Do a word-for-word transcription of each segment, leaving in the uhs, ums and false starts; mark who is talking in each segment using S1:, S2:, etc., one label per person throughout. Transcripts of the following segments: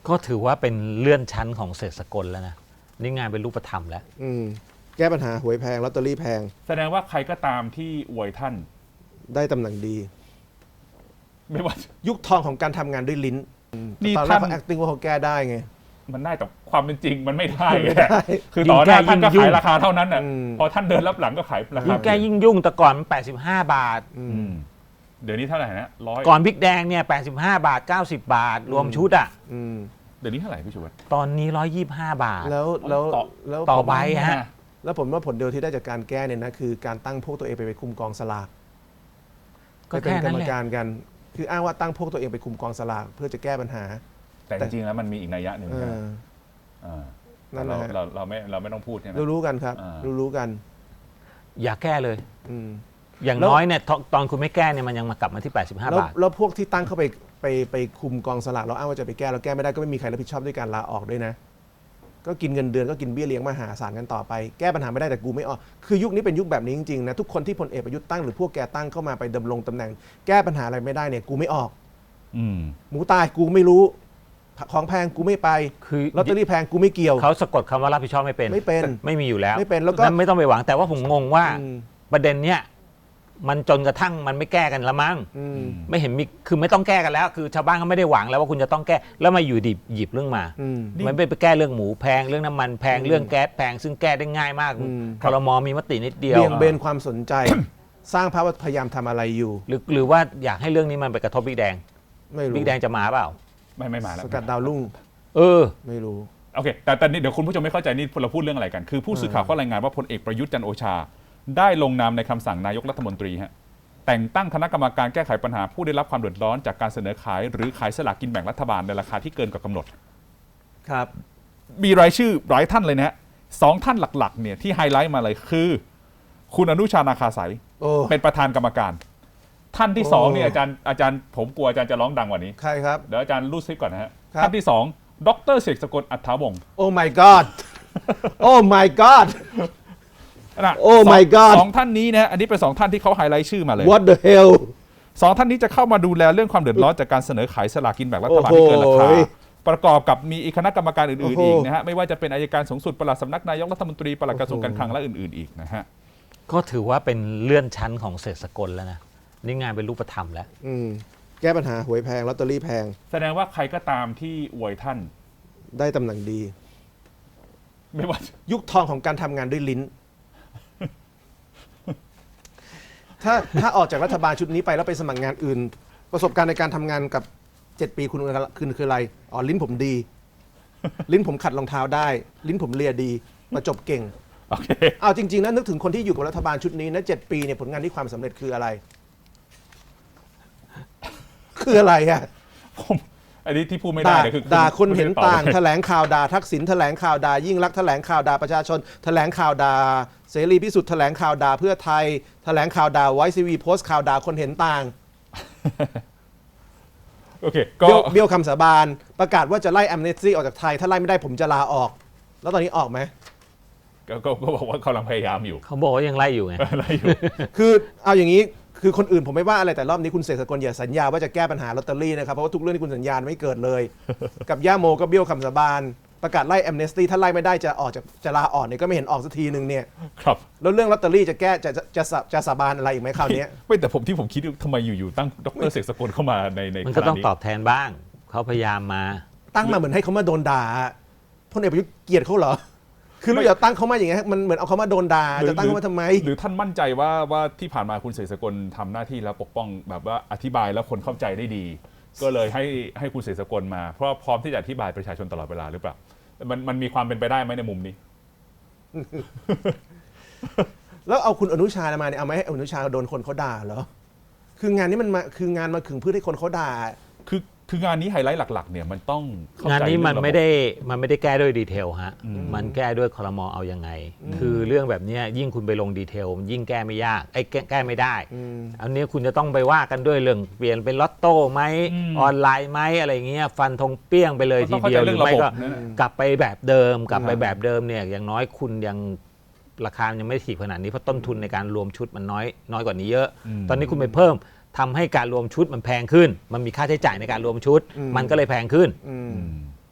S1: ก็ถือว่าเป็นเลื่อนชั้นของเศรษฐสกลแล้วนะนี่งานเป็นรูปธรรมแล้ว
S2: อืมแก้ปัญหาหวยแพงลอตเตอรี่แพง
S3: แสดงว่าใครก็ตามที่อวยท่าน
S2: ได้ตำแหน่งดี
S3: ไม่ว่า
S2: ยุคทองของการทำงานด้วยลิ้น
S3: นี่
S2: ตอนแรกเขา acting ว่าเขาแก้ได้ไง
S3: มันได้แต่ความเป็นจริงมันไม่ได้คือต่อหน้าท่านก็ขายราคาเท่านั้นอ่ะพอท่านเดินรับหลังก็ขายราคา
S1: ยิ่งแก้ยิ่งยุ่งแต่ก่อนมันแปดสิบห้าบาท
S3: เดี๋ยวนี้เท่าไหร่นะร้อย
S1: ก่อนพริกแดงเนี่ยแปดสิบห้าบาทเก้าสิบบาทรวมชุดอ่ะ
S3: เดี๋ยวนี้เท่าไหร่พี่ชูวัฒน์
S1: ตอนนี้ร้อยยี่สิบห้าบาท
S2: แล้วแล้ว
S1: แล้วต่อใบฮะ
S2: แล้วผมว่าผลเดียวที่ได้จากการแก้เนี่ยนะคือการตั้งพวกตัวเองไปไปคุมกองสลากก็เป็นกรรมการกันคืออ้างว่าตั้งพวกตัวเองไปคุมกองสลากเพื่อจะแก้ปัญหา
S3: แต่จริงๆแล้วมันมีอีกนัยยะหนึ่งนั่นแหละเราเราไม่เราไม่ต้องพูดใช่ไหม
S2: รู้รู้กันครับรู้รู้กัน
S1: อย่าแก้เลยอย่างน้อยเนี่ยตอนคุณไม่แก้เนี่ยมันยังมากลับมาที่แปดสิบห้าบาท
S2: แล้วพวกที่ตั้งเข้าไปไปไปคุมกองสลากเราอ้างว่าจะไปแก้เราแก้ไม่ได้ก็ไม่มีใครรับผิดชอบด้วยการลาออกด้วยนะก็กินเงินเดือนก็กินเบี้ยเลี้ยงมหาศาลกันต่อไปแก้ปัญหาไม่ได้แต่กูไม่ออกคือยุคนี้เป็นยุคแบบนี้จริงๆนะทุกคนที่พลเอกประยุทธ์ตั้งหรือพวกแกตั้งเข้ามาไปดำรงตำแหน่งแก้ปัญหาอะไรไม่ได้เนี่ยกูไม่ออกหมูตายกูไม่รู้ของแพงกูไม่ไปคือลอตเตอรี่แพงกูไม่เกี่ยว
S1: เขาสะกดคำว่ารับผิดชอบไม่เป็น
S2: ไม่เป็น
S1: ไม่มีอยู่แล้ว
S2: ไม่เป็นแล้วก็
S1: ไม่ต้องไปหวังแต่ว่าผมงงว่าประเด็นเนี้ยมันจนกระทั่งมันไม่แก้กันละมั้งไม่เห็นมีคือไม่ต้องแก้กันแล้วคือชาวบ้านเขาไม่ได้หวังแล้วว่าคุณจะต้องแก้แล้วมาอยู่ดิบหยิบเรื่องมามันไม่ไปแก้เรื่องหมูแพงเรื่องน้ำมันแพงเรื่องแก๊สแพงซึ่งแก้ได้ง่ายมากครม.มีมตินิดเดียว
S2: เบี่ยงเบนความสนใจสร้างภาพว่าพยายามทำอะไรอยู่
S1: หรือหรือว่าอยากให้เรื่องนี้มันไปกระทบบิ๊กแดง
S2: ไม่รู้
S1: บิ๊กแดงจะมาเปล่า
S3: ไม่ไม่มาแล้ว
S2: สกัดดาวรุ่ง
S1: เออ
S2: ไม่รู้
S3: โอเคแต่ตอนนี้เดี๋ยวคุณผู้ชมไม่เข้าใจนี่เราพูดเรื่องอะไรกันคือผู้สื่อข่าวก็รายงานว่าพลเอกประยุทธ์จันทร์โอชาได้ลงนามในคำสั่งนายกรัฐมนตรีฮะแต่งตั้งคณะกรรมการแก้ไขปัญหาผู้ได้รับความเดือดร้อนจากการเสนอขายหรือขายสลากกินแบ่งรัฐบาลในราคาที่เกินกว่ากำหนด
S2: ครับ
S3: มีรายชื่อหลายท่านเลยนะฮะสองท่านหลักๆเนี่ยที่ไฮไลท์มาเลยคือคุณอนุชานาคาสายเป็นประธานกรรมการท่านที่สองเนี่ยอาจารย์อาจารย์ผมกลัวอาจารย์จะร้องดังกว่านี้
S2: ใครครับ
S3: เดี๋ยวอาจารย์รูดซิปก่อนนะฮะท่านที่สองดร.เสกสกลอัฏฐาวงศ์
S2: โอ้ my god โอ้ my god โอ้ my god
S3: สองท่านนี้นะอันนี้เป็นสองท่านที่เขาไฮไลท์ชื่อมาเลย
S2: what the hell
S3: สองท่านนี้จะเข้ามาดูแลเรื่องความเดือดร้อนจากการเสนอขายสลากกินแบ่งรัฐบาลที่เกินราคาประกอบกับมีคณะกรรมการอื่นๆอีกนะฮะไม่ว่าจะเป็นอัยการสูงสุดปลัดสำนักนายกรัฐมนตรีปลัดกระทรวงการคลังและอื่นๆอีกนะฮะ
S1: ก็ถือว่าเป็นเลื่อนชั้นของเศรษฐสกลแล้วนะนี่งานเป็นรูปธรรมแล้ว
S2: แก้ปัญหาหวยแพงลอตเตอรี่แพง
S3: แสดงว่าใครก็ตามที่อวยท่าน
S2: ได้ตำแหน่งดี
S3: ไม่ว่า
S2: ยุคทองของการทำงานด้วยลิ้นถ้าถ้าออกจากรัฐบาลชุดนี้ไปแล้วไปสมัครงานอื่นประสบการณ์ในการทำงานกับเจ็ดปีคุณคือคืออะไรอ๋อลิ้นผมดีลิ้นผมขัดรองเท้าได้ลิ้นผมเลียดีประจบเก่ง
S3: โอเค
S2: เอาจริงๆนะนึกถึงคนที่อยู่กับรัฐบาลชุดนี้นะเจ็ดปีเนี่ยผลงานที่ความสำเร็จคืออะไรคืออะไรอะ
S3: ผมอันนี้ที่พูดไม่ได้คือ
S2: ด่าคนเห็นต่างแถลงข่าวด่าทักษิณแถลงข่าวด่ายิ่งลักษณ์แถลงข่าวด่าประชาชนแถลงข่าวด่าเสรีพิสุทธิ์แถลงข่าวด่าเพื่อไทยแถลงข่าวด่าไวซีวีโพสต์ข่าวด่าคนเห็นต่าง
S3: โอเคก็
S2: เบี้ยวคำสาบานประกาศว่าจะไล่แอมเนสตี้ออกจากไทยถ้าไล่ไม่ได้ผมจะลาออกแล้วตอนนี้ออกไหม
S3: ก็ก็บอกว่าเขากำลังพยายามอยู่
S1: เขาบอกว่ายังไล่อยู่ไง
S3: ไล่อยู่
S2: คือเอาอย่างนี้คือคนอื่นผมไม่ว่าอะไรแต่รอบนี้คุณเสกสกลอย่าสัญญาว่าจะแก้ปัญหาลอตเตอรี่นะครับเพราะว่าทุกเรื่องที่คุณสัญญาไม่เกิดเลยกับย่าโมก็เบี้ยวคำสาบานประกาศไล่แอมเนสตี้ถ้าไล่ไม่ได้จะออกจากจะลาออกเนี่ยก็ไม่เห็นออกสักทีนึงเนี่ย
S3: ครับ
S2: แล้วเรื่องลอตเตอรี่จะแก้จะจะจะสาบานอะไรอีกไหมคราวนี้
S3: ไม่แต่ผมที่ผมคิดทำไมอยู่ๆตั้งดร.เสกสกลเข้ามาในใน
S1: มันก็ต้องตอบแทนบ้างเขาพยายามมา
S2: ตั้งมาเหมือนให้เขามาโดนด่าพลเอกประยุทธ์เกลียดเขาเหรอคือเราอย่าตั้งเขามาอย่างเงี้ยมันเหมือนเอาเขามาโดนด่าจะตั้งเขามาทำไม
S3: หรือท่านมั่นใจว่าว่าที่ผ่านมาคุณเสกสกลทำหน้าที่แล้วปกป้องแบบว่าอธิบายแล้วคนเข้าใจได้ดีก็เลยให้ให้คุณเสกสกลมาเพราะพร้อมที่จะอธิบายประชาชนตลอดเวลาหรือเปล่ามันมันมีความเป็นไปได้ไหมในมุมนี้
S2: แล้วเอาคุณอนุชามาเนี่ยเอาไหมให้อนุชาโดนคนเขาด่าเหรอคืองานนี้มันมาคืองานมาขึงเพื่อให้คนเขาด่า
S3: คือคืองานนี้ไฮไลท์หลักๆเนี่ยมันต้อง
S1: งานนี้มันไม่ได้มันไม่ได้แก้ด้วยดีเทลฮะมันแก้ด้วยครม.เอายังไงคือเรื่องแบบนี้ยิ่งคุณไปลงดีเทลยิ่งแก้ไม่ยากไอ้แก้ไม่ได้อันนี้คุณจะต้องไปว่ากันด้วยเรื่องเปลี่ยนเป็นลอตโต้ไหมออนไลน์ไหมอะไรเงี้ยฟันธงเปี้ยงไปเลยทีเดียวหรือไม่ก็กลับไปแบบเดิมกลับไปแบบเดิมเนี่ยอย่างน้อยคุณยังราคายังไม่ถีบขนาดนี้เพราะต้นทุนในการรวมชุดมันน้อยน้อยกว่านี้เยอะตอนนี้คุณไปเพิ่มทำให้การรวมชุดมันแพงขึ้นมันมีค่าใช้จ่ายในการรวมชุดมันก็เลยแพงขึ้น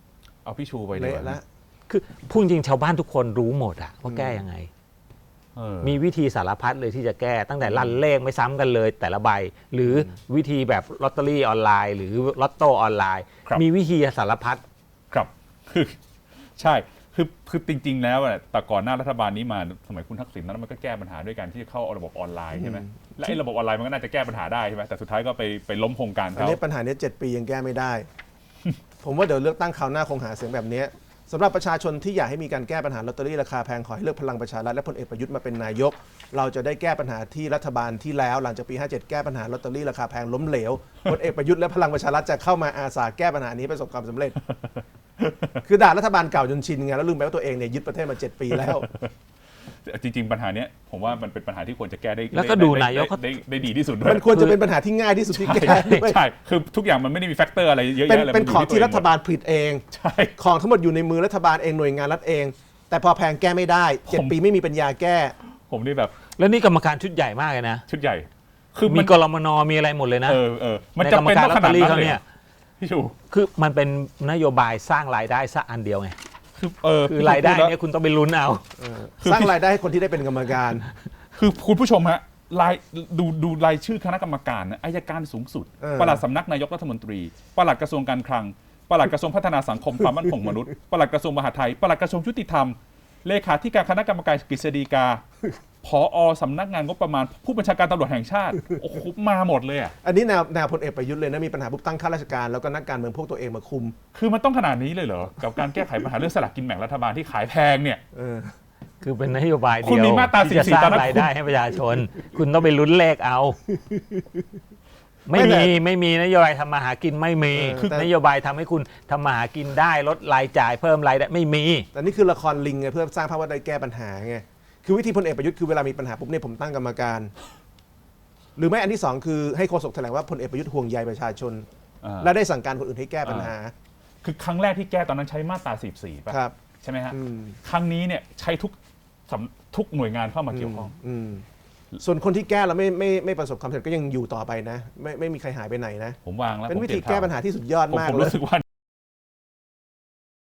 S3: เอาพี่ชูไปดีก
S2: เละ
S3: ว่า
S2: ละ
S1: คือพูดจริงชาวบ้านทุกคนรู้หมดอะว่าแก้ยังไง
S3: เออ
S1: มีวิธีสารพัดเลยที่จะแก้ตั้งแต่ลั่นเลขไม่ซ้ำกันเลยแต่ละใบ หรือวิธีแบบลอตเตอรี่ออนไลน์ หรือลอตโต้ออนไลน์
S3: ครับ
S1: มีวิธีสารพัด
S3: ครับคือใช่คือคือจริง ๆ แล้วอะแต่ก่อนหน้ารัฐบาลนี้มาสมัยคุณทักษิณนั้นมันก็แก้ปัญหาด้วยการที่จะเข้าระบบออนไลน์ใช่ไหมและไอ้ระบบออนไลน์มันก็น่าจะแก้ปัญหาได้ใช่ไหมแต่สุดท้ายก็ไปไปล้มโครงการ
S2: อัน
S3: เขา
S2: นี้ปัญหาเนี้ยเจ็ดปียังแก้ไม่ได้ ผมว่าเดี๋ยวเลือกตั้งคราวหน้าคงหาเสียงแบบเนี้ยสำหรับประชาชนที่อยากให้มีการแก้ปัญหาลอตเตอรี่ราคาแพงขอให้เลือกพลังประชารัฐและพลเอกประยุทธ์มาเป็นนายก เราจะได้แก้ปัญหาที่รัฐบาลที่แล้วหลังจากปีห้าเจ็ดแก้ปัญหาลอตเตอรี่ราคาแพงล้มเหลวพลเอกประยุทธ์และพลังประชารัฐจะเข้ามาอาสาแก้ปัญหานี้ประสบความสำเร็จ คือด่ารัฐบาลเก่าจนชินไงแล้วลืมไปว่าตัวเองเนี่ยยึดประเทศมาเจ็ดปีแล้ว
S3: จริง ๆ ปัญหาเนี้ยผมว่ามันเป็นปัญหาที่ควรจะแก้ได้
S1: แล้วก็ดูนายก
S3: ได้ได้ได้ดีที่สุดด้วย
S2: มันควรจะเป็นปัญหาที่ง่ายที่สุดที่แก้
S3: ใช่
S2: ด้วย
S3: ใช่คือทุกอย่างมันไม่ได้มีแฟกเตอร์อะไรเยอะ
S2: เป็น
S3: แยะเลย
S2: เป็น
S3: มั
S2: ของ
S3: ยู่
S2: ที่รัฐบา
S3: ล
S2: ลผลิตเอง
S3: ใช่
S2: ของทั้งหมดอยู่ในมือรัฐบาลเองหน่วยงานรัฐเอง แต่พอแพงแก้ไม่ได้เจ็ด
S3: ผม
S2: ปีไม่มีปัญญาแก้
S3: ผมนี่แบบ
S1: แล้วนี่กรรมการชุดใหญ่มากเลยนะ
S3: ชุดใหญ่ คือ
S1: มี
S3: มัน
S1: กรมนมีอะไรหมดเลยนะ
S3: เออเออมัน
S1: ใน
S3: จะ
S1: กรรม
S3: เป็น
S1: การ
S3: ต้อง
S1: ลอ
S3: ข
S1: ตเต
S3: นา
S1: อ
S3: ด
S1: รี่
S3: นั้น
S1: เขา
S3: เลย
S1: เนี่ย
S3: พี่ชู
S1: คือมันเป็นนโยบายสร้างรายได้สักอันเดียวไง
S3: คือเออ
S1: คือ
S3: พี่ชู
S1: รายได้
S3: พูแล้ว
S1: เนี่ยคุณต้องไปลุ้นเอา
S3: คือ
S2: สร้างรายได้ให้คนที่ได้เป็นกรรมการ
S3: คือคุณผู้ชมฮะรายดูดูรายชื่อคณะกรรมการนะอัยการสูงสุด
S2: เออ
S3: ปลัดสำนักนายกรัฐมนตรีปลัดกระทรวงการคลังปลัดกระทรวงพัฒนาสังคมความมั่นคงมนุษย์ปลัดกระทรวงมหาดไทยปลัดกระทรวงยุติธรรมเลขาธิการคณะกรรมการกฤษฎีกาผอสำนักงานงบประมาณผู้บัญชาการตำรวจแห่งชาติโอ้โหมาหมดเลยอ่ะ
S2: อันนี้แนวแนวพลเอกประยุทธ์เลยนะมีปัญหาปุ๊บตั้งข้าราชการแล้วก็นักการเมืองพวกตัวเองมาคุม
S3: คือมันต้องขนาดนี้เลยเหรอกับการแก้ไขปัญหาเรื่องสลากกินแบ่งรัฐบาลที่ขายแพงเนี่ย
S2: เออ
S1: คือเป็นนโยบาย
S3: คุ
S1: เดี
S3: ณ
S1: ยว
S3: มีมาตรา
S1: ที่จะ
S3: สี่สิบ
S1: สร้าง
S3: ตอนนั้น
S1: รายได้ให้ประชาชน คุณต้องไปลุ้นเลขเอา ไม่
S2: ไม่แต่
S1: มีไม่มีนโยบายทำมาหากินไม่มี
S2: เออแต่
S1: นโยบายทำให้คุณทำมาหากินได้ลดรายจ่ายเพิ่มรายได้ไม่มี
S2: แต่นี่คือละครลิงไงเพื่อสร้างภาพว่าได้แก้ปัญหาไงคือวิธีพลเอกประยุทธ์คือเวลามีปัญหาปุ๊บเนี่ยผมตั้งกรรมการ หรือไม่อันที่สองคือให้โฆษกแถลงว่าพลเอกประยุทธ์ห่วงใยประชาชน
S3: อ่า
S2: และได้สั่งการคนอื่นให้แก้ปัญหา
S3: คือครั้งแรกที่แก้ตอนนั้นใช้มาตราสี่สิบสี่ป่ะ
S2: ครับ
S3: ใช่ไหมฮะ
S2: อืม
S3: ครั้งนี้เนี่ยใช้ทุกสำทุกหน่วยงานเข้ามาเกี่ยวข้อง
S2: อืมส่วนคนที่แก้แล้วไม่ไม่ไม่ประสบความสำเร็จก็ยังอยู่ต่อไปนะ ไม่ไม่มีใครหายไปไหนนะ
S3: ผมวางแล้ว
S2: เป็น
S3: ผม
S2: วิ
S3: ปลี่
S2: ธี
S3: ยน
S2: แก้
S3: ทาง
S2: ปัญหาที่สุดยอด
S3: ผม
S2: มาก
S3: ผม
S2: เลย
S3: รู้สึกว่า